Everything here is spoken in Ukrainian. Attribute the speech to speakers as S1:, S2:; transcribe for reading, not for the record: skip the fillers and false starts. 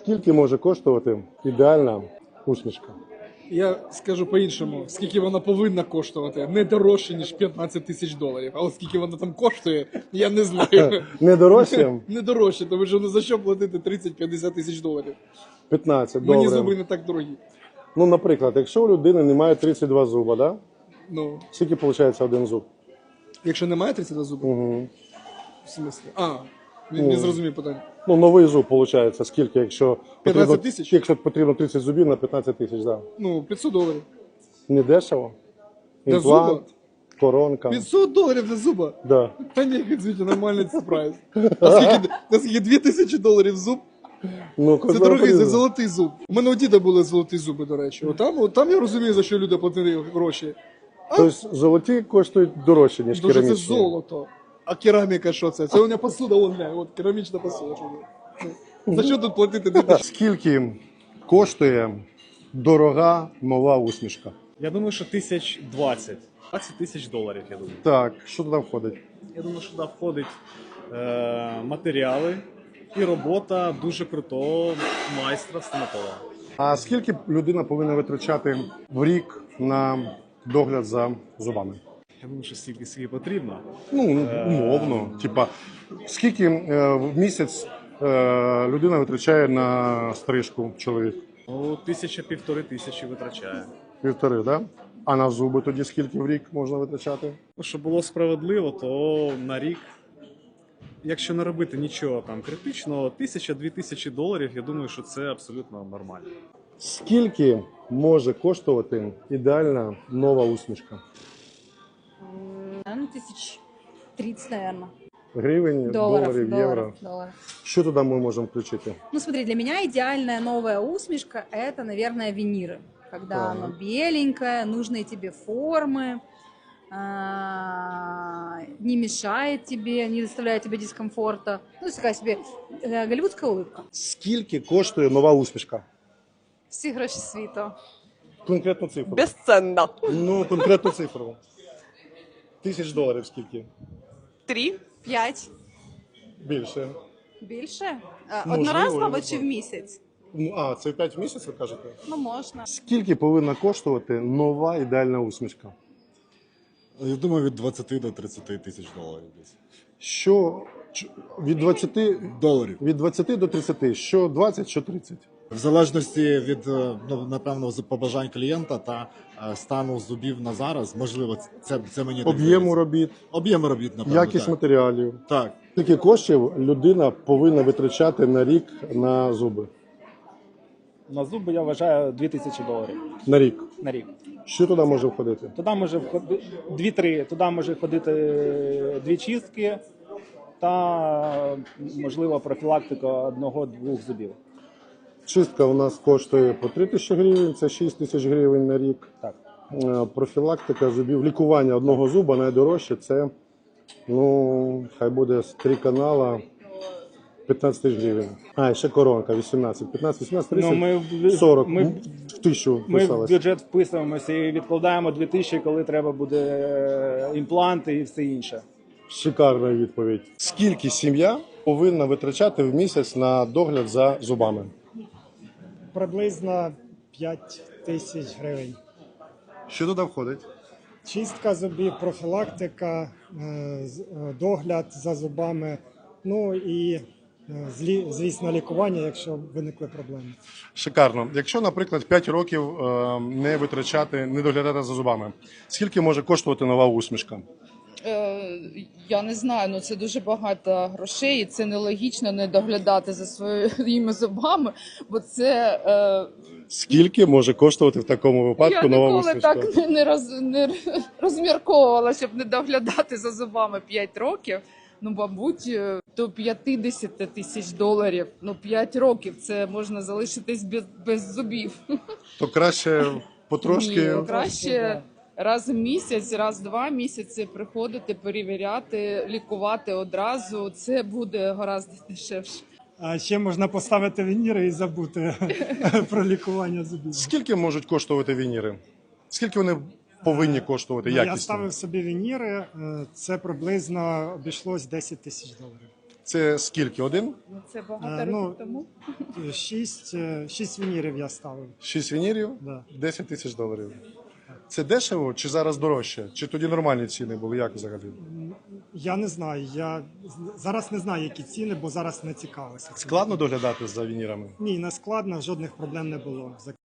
S1: Скільки може коштувати ідеальна усмішка?
S2: Я скажу по-іншому, скільки вона повинна коштувати, не дорожче, ніж 15 тисяч доларів. А от скільки вона там коштує, я не знаю.
S1: Не дорожче?
S2: Не дорожче, тому що за що платити 30-50 тисяч доларів?
S1: 15,
S2: Мені
S1: добре.
S2: зуби не так дорогі.
S1: Ну, наприклад, якщо у людини немає 32 зуба, да?
S2: Ну,
S1: Скільки виходить один зуб?
S2: якщо немає 32 зуби,
S1: Угу.
S2: в смислі? Не зрозумів питання.
S1: Ну, новий зуб виходить, скільки, якщо
S2: 15 тисяч?
S1: Якщо потрібно 30 зубів на 15 тисяч, да.
S2: Ну, 500 доларів.
S1: Не дешево?
S2: Для
S1: Імплант,
S2: зуба?
S1: коронка.
S2: 500 доларів для зуба?
S1: Да.
S2: Та ні, звідти, нормальний прайс. Наскільки 2000 доларів зуб?
S1: Ну,
S2: Це дорогий, це золотий зуб. У мене у діда були золоті зуби, до речі. Отам я розумію, за що люди платили гроші.
S1: Тобто золоті коштують дорожче, ніж
S2: Тому що це
S1: керамічні.
S2: золото. А кераміка що це? Це у мене посуда, от керамічна посуда. За що тут платити 2000?
S1: Скільки коштує дорога нова усмішка?
S3: Я думаю, що 1020. 20 тисяч доларів, я думаю.
S1: Так, що туди входить?
S3: Я думаю, що туди входить матеріали і робота дуже крутого майстра-стоматолога.
S1: А скільки людина повинна витрачати в рік на догляд за зубами?
S3: Я думаю, що скільки потрібно.
S1: Ну, умовно. Типа, скільки в місяць людина витрачає на стрижку чоловік?
S3: Ну, 1000-1500 тисячі витрачає.
S1: Півтори, да? А на зуби тоді скільки в рік можна витрачати?
S3: Ну, щоб було справедливо, то на рік, якщо не робити нічого там критичного, 1000-2000 доларів, я думаю, що це абсолютно нормально.
S1: Скільки може коштувати ідеальна нова усмішка?
S4: Наверное, 1030, наверное.
S1: Гривень, доларів, євро?
S4: Долларов.
S1: Що туди ми можемо включити?
S4: Ну, смотри, для меня идеальная новая усмешка – это, наверное, виниры. Когда
S1: Так.
S4: оно беленькое, нужные тебе формы, не мешает тебе, не доставляет тебе дискомфорта. Ну, такая себе голливудская улыбка.
S1: Скільки коштує нова усмішка?
S4: Всі гроші світу.
S1: Конкретну цифру.
S5: Безценно.
S1: Ну, конкретну цифру. $1000 скільки?
S5: 3.
S4: 5.
S1: Більше.
S4: Більше?
S1: Можливо,
S4: Одноразово
S1: я
S4: чи в місяць?
S1: Ну, це 5 в місяць, ви кажете?
S4: Ну, можна.
S1: Скільки повинна коштувати нова ідеальна усмішка?
S6: Я думаю, від 20 до 30 тисяч доларів десь.
S1: Що від 20,
S6: Доларів.
S1: від 20 до 30, що 20, що 30?
S6: В залежності від, напевно, побажань клієнта та стану зубів на зараз, можливо, це мені так
S1: Об'єму
S6: здається.
S1: робіт,
S6: Об'єму робіт, напевно,
S1: якість
S6: так.
S1: матеріалів.
S6: Так.
S1: Скільки коштів людина повинна витрачати на рік на зуби?
S7: На зуби я вважаю 2000 доларів
S1: На рік.
S7: на рік.
S1: Що туди може входити?
S7: Туди може входити 2-3, туди може входити 2 чистки та, можливо, профілактика 1-2 зубів.
S1: Чистка у нас коштує по 3000 гривень, це 6000 гривень на рік.
S7: Так.
S1: Профілактика зубів, лікування одного зуба найдорожче це, ну, хай буде з 3 канала 15 тисяч гривень. А, і ще коронка 18. 15, 18, 30,
S7: Ну, ми
S1: 40.
S7: ми-
S1: в 1000
S7: Ми в
S1: вписалось.
S7: бюджет вписуємося і відкладаємо 2000, коли треба буде імпланти і все інше.
S1: Шикарна відповідь. Скільки сім'я повинна витрачати в місяць на догляд за зубами?
S8: Приблизно 5 тисяч гривень.
S1: Що туди входить?
S8: Чистка зубів, профілактика, догляд за зубами, ну і, звісно, лікування, якщо виникли проблеми.
S1: Шикарно. Якщо, наприклад, 5 років не витрачати, не доглядати за зубами, скільки може коштувати нова усмішка?
S5: Я не знаю, ну це дуже багато грошей, і це нелогічно не доглядати за своїми зубами, бо це
S1: Скільки може коштувати в такому випадку
S5: я
S1: нова
S5: ніколи
S1: усмішка?
S5: так не розмірковувала, щоб не доглядати за зубами 5 років. Ну, мабуть, до 50 тисяч доларів. Ну, 5 років це можна залишитись без зубів.
S1: То краще потрошки.
S5: Ні, краще раз в місяць, раз в 2 місяці приходити, перевіряти, лікувати одразу. Це буде гораздо дешевше.
S8: А ще можна поставити вініри і забути про лікування зубів.
S1: Скільки можуть коштувати вініри? Скільки вони повинні коштувати
S8: Я
S1: якісно?
S8: ставив собі вініри, це приблизно обійшлось 10 тисяч доларів.
S1: Це скільки? Один?
S5: Ну, це багато
S8: Ну,
S5: років тому.
S8: 6 вінірів я ставив.
S1: 6 вінірів,
S8: Да.
S1: 10 тисяч доларів. Це дешево чи зараз дорожче? Чи тоді нормальні ціни були? Як взагалі?
S8: Я не знаю. Я зараз не знаю, які ціни, бо зараз не цікавився.
S1: Складно доглядати за вінірами?
S8: Ні, не складно, жодних проблем не було.